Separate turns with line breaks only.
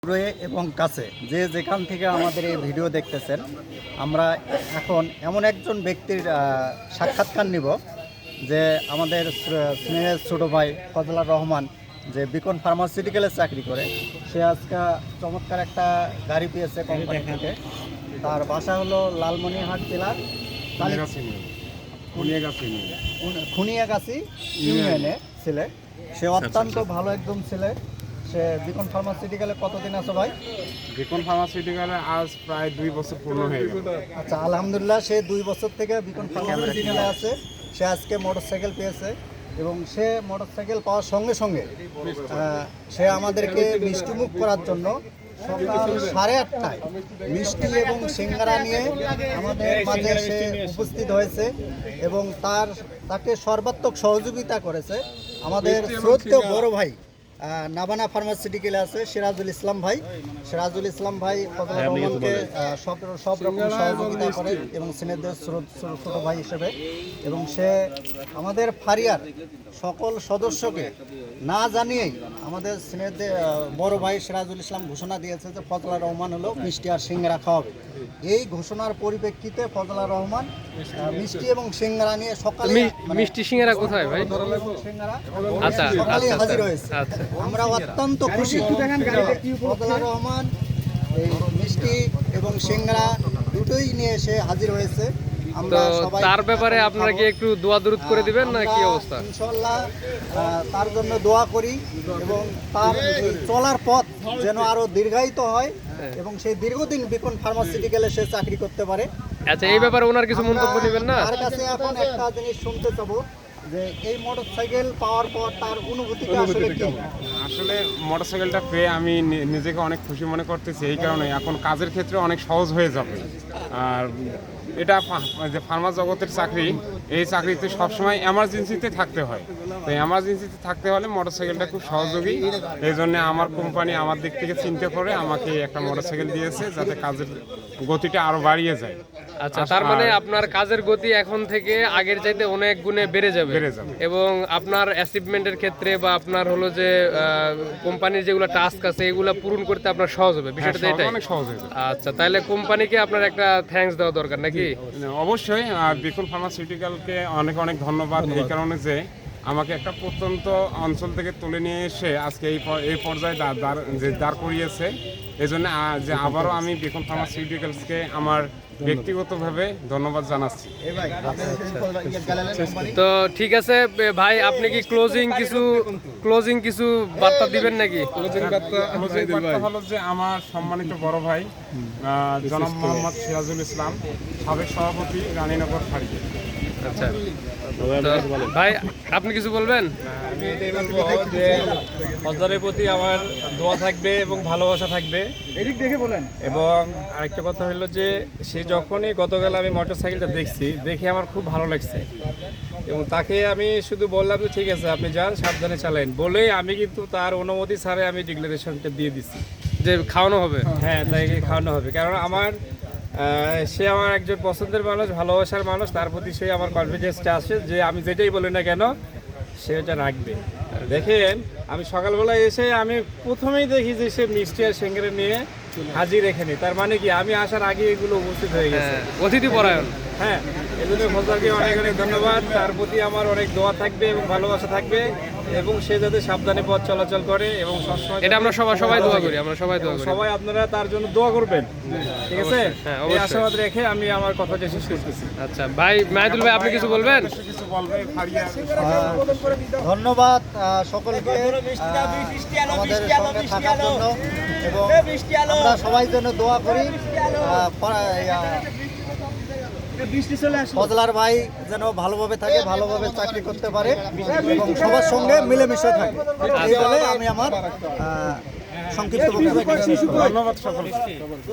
দূরে এবং কাছে যে যেখান থেকে আমাদের এই ভিডিও দেখতেছেন, আমরা এখন এমন একজন ব্যক্তির সাক্ষাৎকার নিব যে আমাদের স্নেহের ছোটো ভাই ফজলার রহমান, যে বিকন ফার্মাসিউটিক্যালে চাকরি করে। সে আজকে চমৎকার একটা গাড়ি পেয়েছে কোম্পানি থেকে। তার বাসা হলো লালমনিরহাট জেলার খুনিয়াগাছি ইউনিয়নে ছেলে। সে অত্যন্ত ভালো একদম ছেলে। সে বিকন ফার্মাসিউটিক্যালে কতদিন আছে ভাই?
বিকন ফার্মাসিউটিক্যালে আজ প্রায় 2 বছর পূর্ণ হয়ে গেল।
আচ্ছা, আলহামদুলিল্লাহ, সে 2 বছর থেকে বিকন ফার্মাসিউটিক্যালে আছে। সে আজকে মোটরসাইকেল পেয়েছে এবং সে মোটরসাইকেল পাওয়ার সঙ্গে সঙ্গে সে আমাদেরকে মিষ্টিমুখ করার জন্য সকাল 8:30টায় মিষ্টি এবং সিঙ্গারা নিয়ে আমাদের মাঝে সে উপস্থিত হয়েছে এবং তাকে সর্বাত্মক সহযোগিতা করেছে আমাদের শ্রদ্ধেয় বড় ভাই নাবানা ফার্মাসিউটিক্যালে আছে সিরাজুল ইসলাম ভাই। সিরাজুল ইসলাম ভাই ফজলার রহমানকে সব রকম সহযোগিতা করে এবং সিনেদের ছোট ভাই হিসেবে। এবং সে আমাদের ফারিয়ার সকল সদস্যকে না জানিয়েই আমাদের সিনেদের বড় ভাই সিরাজুল ইসলাম ঘোষণা দিয়েছে যে ফজলার রহমান হলো মিষ্টি আর সিঙ্গারা খাওয়াবে। এই ঘোষণার পরিপ্রেক্ষিতে ফজলার রহমান মিষ্টি এবং সিঙ্গারা নিয়ে সকালে
মিষ্টি সিঙ্গারা কোথায় ভাই? আচ্ছা,
সকালে হাজির হয়েছে। আমরা অত্যন্ত খুশি। ফজলার রহমান এই মিষ্টি এবং সিঙ্গারা দুটোই নিয়ে এসে হাজির হয়েছে।
তো তার ব্যাপারে আপনারা কি একটু দোয়া দরুদ করে দিবেন না কি অবস্থা?
ইনশাআল্লাহ তার জন্য দোয়া করি এবং তার চলার পথ যেন আরো দীর্ঘায়িত হয় এবং সেই দীর্ঘদিন বিকন ফার্মাসিউটিক্যালে সে চাকরি করতে পারে।
আচ্ছা, এই ব্যাপারে ওনার কিছু মন্তব্য নেবেন না?
তার কাছে এখন একটা জিনিস শুনতে চাবো যে এই মোটরসাইকেল পাওয়ার পর তার অনুভূতিটা আসলে কি?
আসলে মোটরসাইকেলটা পেয়ে আমি নিজেকে অনেক খুশি মনে করতেছি। এই কারণে এখন কাজের ক্ষেত্রে অনেক সহজ হয়ে যাবে। আর এটা যে ফার্মা জগতের চাকরি, এই চাকরিতে সবসময় এমার্জেন্সিতে থাকতে হয়। তো এমার্জেন্সিতে থাকতে হলে মোটরসাইকেলটা খুব সহযোগী। এই জন্য আমার কোম্পানি আমার দিক থেকে চিন্তা করে আমাকে একটা মোটরসাইকেল দিয়েছে যাতে কাজের গতিটা আরও বাড়িয়ে যায়।
আচ্ছা, তার মানে আপনার কাজের গতি এখন থেকে আগের চাইতে অনেক গুণে বেড়ে যাবে এবং আপনার অ্যাচিভমেন্টের ক্ষেত্রে বা আপনার হলো যে কোম্পানির যেগুলো টাস্ক আছে এগুলো পূরণ করতে আপনার সহজ হবে। বিষয়টা এটাই
অনেক সহজ হয়ে যাবে।
আচ্ছা, তাহলে কোম্পানিকে আপনার একটা থ্যাঙ্কস দেওয়া দরকার নাকি?
অবশ্যই। বিকন ফার্মাসিউটিক্যালকে অনেক অনেক ধন্যবাদ এই কারণে যে আমাকে একটা প্রত্যন্ত অঞ্চল থেকে তুলে নিয়ে এসে আজকে এই পর্যায়ে দাঁড় করিয়েছে। এই জন্য যে আবারও আমি বিকন ফার্মাসিউটিক্যালসকে আমার ব্যক্তিগতভাবে ধন্যবাদ জানাচ্ছি।
তো ঠিক আছে ভাই, আপনি কি ক্লোজিং কিছু বার্তা দিবেন নাকি?
ক্লোজিং বার্তা হলো যে আমার সম্মানিত বড় ভাই জনাব মোহাম্মদ সিরাজুল ইসলাম, সাবেক সভাপতি রানীনগর ফাঁড়ি।
আচ্ছা ভাই, আপনি কিছু বলবেন?
আমি এটাই বলবো যে ফজলারের প্রতি আমার দোয়া থাকবে এবং ভালোবাসা থাকবে। এবং আরেকটা কথা হলো যে সে যখনই গতকাল আমি মোটরসাইকেলটা দেখে আমার খুব ভালো লাগছে এবং তাকে আমি শুধু বললাম যে ঠিক আছে আপনি যান, সাবধানে চালান বলেই আমি কিন্তু তার অনুমতি ছাড়াই আমি ডিক্লারেশনটা দিয়ে দিছি
যে খাওয়ানো হবে।
হ্যাঁ, তাকে খাওয়ানো হবে। কারণ সে আমার একজন পছন্দের মানুষ, ভালোবাসার মানুষ। তার প্রতি সে আমার কনফিডেন্সটা আসে যে আমি যেটাই বলি না কেন সে এটা রাখবে। দেখেন, আমি সকালবেলায় এসে আমি প্রথমেই দেখি যে সে মিষ্টি আর সিঙ্গারা নিয়ে হাজির এখানে। তার মানে কি আমি আসার আগে এগুলো উপস্থিত হয়ে গেছে।
অতিথি পরায়ণ।
হ্যাঁ, এই জন্য ফজলারকে অনেক অনেক ধন্যবাদ। তার প্রতি আমার অনেক দোয়া থাকবে এবং ভালোবাসা থাকবে এবং সে যাতে সাবধানে পথ চলাচল করে এবং সবসময়
এটা আমরা সবাই দোয়া করি।
সবাই আপনারা তার জন্য দোয়া করবেন, ঠিক আছে? এই আশাবাদ রেখে আমি আমার কথাটা শেষ করতেছি।
আচ্ছা ভাই, মাহিদুল ভাই, আপনি কিছু বলবেন?
ধন্যবাদ সকলকে আমাদের সঙ্গে থাকার জন্য এবং আমরা সবাই জন্য দোয়া করি ফজলার ভাই যেন ভালোভাবে থাকে, ভালোভাবে চাকরি করতে পারে এবং সবার সঙ্গে মিলেমিশে থাকে। এই বলে আমি আমার সংক্ষিপ্ত বক্তব্য
ধন্যবাদ সকলকে।